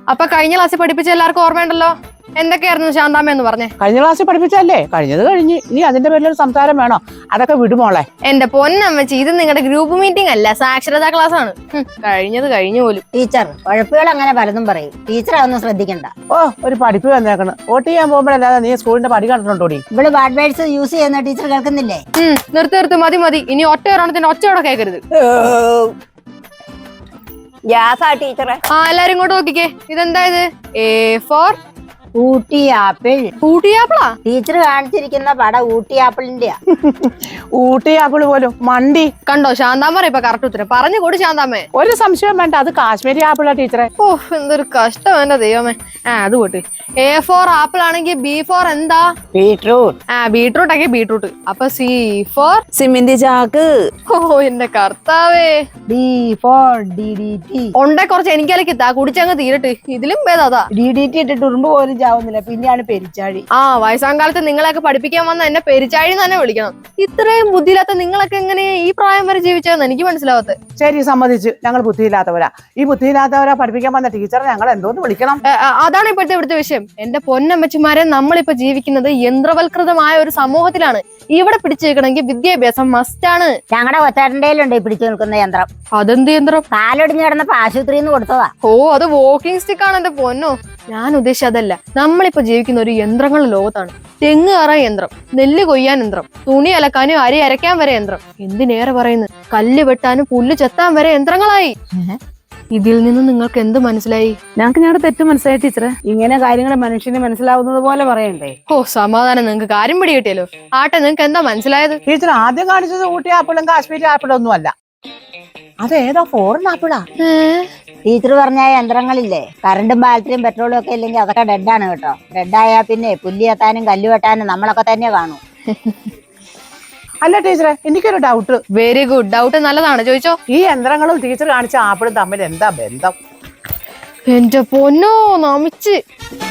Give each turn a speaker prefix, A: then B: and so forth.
A: അപ്പൊ കഴിഞ്ഞ ക്ലാസ്സിൽ പഠിപ്പിച്ച എല്ലാവർക്കും ഓർമ്മയുണ്ടല്ലോ? എന്തൊക്കെയായിരുന്നു ശാന്താമ്മ എന്ന് പറഞ്ഞേ?
B: കഴിഞ്ഞ ക്ലാസ്സിൽ പഠിപ്പിച്ചല്ലേ, കഴിഞ്ഞത് കഴിഞ്ഞ്. ഇനി അതിന്റെ പേരിലൊരു സംസാരം വേണോ? അതൊക്കെ വിടുമോളെ.
A: എന്റെ പൊന്നമ്മച്ചി, ഇത് നിങ്ങളുടെ ഗ്രൂപ്പ് മീറ്റിംഗ് അല്ല, സാക്ഷരതാ ക്ലാസ് ആണ്. കഴിഞ്ഞത് കഴിഞ്ഞു പോലും.
C: ടീച്ചർ ഉഴപ്പുകൾ അങ്ങനെ പലതും പറയും, ടീച്ചർ അതൊന്നും ശ്രദ്ധിക്കണ്ട.
B: ഓ, ഒരു പഠിപ്പ് വന്നേക്കണം. വോട്ട് ചെയ്യാൻ പോകുമ്പോഴല്ലാതെ നീ സ്കൂളിന്റെ പടി കണ്ടിട്ടുണ്ടോടി?
C: ഇവിടെ ബാഡ് വേർഡ്സ് യൂസ് ചെയ്യുന്ന ടീച്ചർ കേൾക്കുന്നില്ലേ?
A: നിർത്ത് മതി. ഇനി ഒറ്റ ഒരെണ്ണത്തിന് ഒച്ചയോടെ കേൾക്കരുത്.
C: ടീച്ചറെ
A: എല്ലാരും ഇങ്ങോട്ട് നോക്കിക്കേ. ഇതെന്താ ഇത്? A for
C: Ooty apple.
A: Ooty ആപ്പിളാ?
C: ടീച്ചർ കാണിച്ചിരിക്കുന്ന പടം ഊട്ടി ആപ്പിളിന്റെയാ.
B: ഊട്ടി ആപ്പിള് പോലും മണ്ടി.
A: കണ്ടോ ശാന്താമ്മ ഇപ്പൊ കറക്റ്റ് ഉത്തരം പറഞ്ഞു കൂടി ശാന്താമ്മേ.
B: ഒരു സംശയം വേണ്ട, അത് കാശ്മീരി ആപ്പിളാ ടീച്ചറെ.
A: ഓ, എന്തൊരു കഷ്ടം എന്റെ ദൈവമേ. അത് പോട്ട്. A for ആപ്പിൾ ആണെങ്കിൽ B for എന്താ?
C: ബീട്രൂട്ട്.
A: ബീട്രൂട്ട് ആക്കി ബീട്രൂട്ട്. അപ്പൊ C for
C: സിമന്റ് ചാക്ക്.
A: ഓ എന്റെ കർത്താവേ.
C: D for DDT.
A: ഉണ്ടെ കുറച്ച് എനിക്കലേക്ക് കുടിച്ചങ്ങ് തീരട്ട്. ഇതിലും ഭേദാ.
C: DDT ഇട്ടിട്ട് ഉറുമ്പ് പോലും ചാവുന്നില്ല, പിന്നെയാണ് പെരിച്ചാഴി.
A: വയസ്സാങ്കാലത്ത് നിങ്ങളെയൊക്കെ പഠിപ്പിക്കാൻ വന്ന എന്നെ പെരിച്ചാഴി തന്നെ വിളിക്കണം. ഇത്രയും ബുദ്ധിയില്ലാത്ത നിങ്ങളൊക്കെ എങ്ങനെ ഈ പ്രായം വരെ ജീവിച്ചതെന്ന് എനിക്ക് മനസ്സിലാവാത്ത.
B: ശരി, സമ്മതിച്ചു, ഞങ്ങൾ ബുദ്ധിയില്ലാത്തവരാ. ഈ ബുദ്ധിയില്ലാത്തവരാ പഠിപ്പിക്കാൻ വന്ന ടീച്ചറെ ഞങ്ങൾ എന്തോന്ന് വിളിക്കണം?
A: അതാണ് ഇപ്പോഴത്തെ ഇവിടുത്തെ വിഷയം. എന്റെ പൊന്നമ്മച്ചിമാരെ, നമ്മളിപ്പോ ജീവിക്കുന്നത് യന്ത്രവൽകൃതമായ ഒരു സമൂഹത്തിലാണ്. ഇവിടെ പിടിച്ചു നിൽക്കണമെങ്കിൽ വിദ്യാഭ്യാസം മസ്റ്റാണ്.
C: ഞങ്ങളുടെ കൊച്ചാട്ടൻ്റെയിലുണ്ട് ഈ പിടിച്ചു നിൽക്കുന്ന യന്ത്രം.
A: അതെന്ത് യന്ത്രം?
C: കാലൊടിഞ്ഞ് കിടന്നപ്പോ ആശുപത്രിന്ന് കൊടുത്തതാ.
A: ഓ, അത് വാക്കിംഗ് സ്റ്റിക്ക് ആണ് എന്റെ പൊന്നോ. ഞാൻ ഉദ്ദേശിച്ചത് അതല്ല. നമ്മളിപ്പോ ജീവിക്കുന്ന ഒരു യന്ത്രങ്ങളുടെ ലോകത്താണ്. തെങ്ങ് കയറാൻ യന്ത്രം, നെല്ല് കൊയ്യാൻ യന്ത്രം, തുണി അലക്കാനും അരി അരയ്ക്കാൻ വരെ യന്ത്രം, എന്തിനേറെ പറയുന്നു, കല്ല് വെട്ടാനും പുല്ല് ചെത്താൻ വരെ യന്ത്രങ്ങളായി. ഇതിൽ നിന്ന് നിങ്ങൾക്ക് എന്ത് മനസ്സിലായി?
D: ഞങ്ങൾക്ക് ഞങ്ങളുടെ തെറ്റ് മനസ്സിലായി ടീച്ചറെ. ഇങ്ങനെ കാര്യങ്ങൾ മനുഷ്യന് മനസ്സിലാവുന്നത് പോലെ പറയണ്ടേ?
A: ഓ, സമാധാനം, നിങ്ങൾക്ക് കാര്യം പിടി കിട്ടിയല്ലോ. ആട്ടെ, നിങ്ങൾക്ക് എന്താ മനസ്സിലായത്?
B: ടീച്ചർ ആദ്യം കാണിച്ചത് ഊട്ടി ആപ്പിളും കാശ്മീരി ആപ്പിളും ഒന്നും അല്ല, അതേതോ ഫോറിൻ ആപ്പിളാ.
C: ടീച്ചർ പറഞ്ഞ യന്ത്രങ്ങളില്ലേ, കറണ്ടും ബാറ്ററിയും പെട്രോളും ഒക്കെ ഇല്ലെങ്കിൽ അതൊക്കെ ഡെഡാണ് കേട്ടോ. ഡെഡായാ പിന്നെ പുല്ല് ചെത്താനും കല്ല് വെട്ടാനും നമ്മളൊക്കെ തന്നെ കാണൂ.
B: അല്ല ടീച്ചറെ, എനിക്കൊരു ഡൗട്ട്.
A: Very good. ഡൗട്ട് നല്ലതാണ്, ചോദിച്ചോ.
B: ഈ യന്ത്രങ്ങളും ടീച്ചർ കാണിച്ച ആപ്പിളും തമ്മിൽ എന്താ ബന്ധം?
A: എന്റെ പൊന്നോ, നമിച്ച്.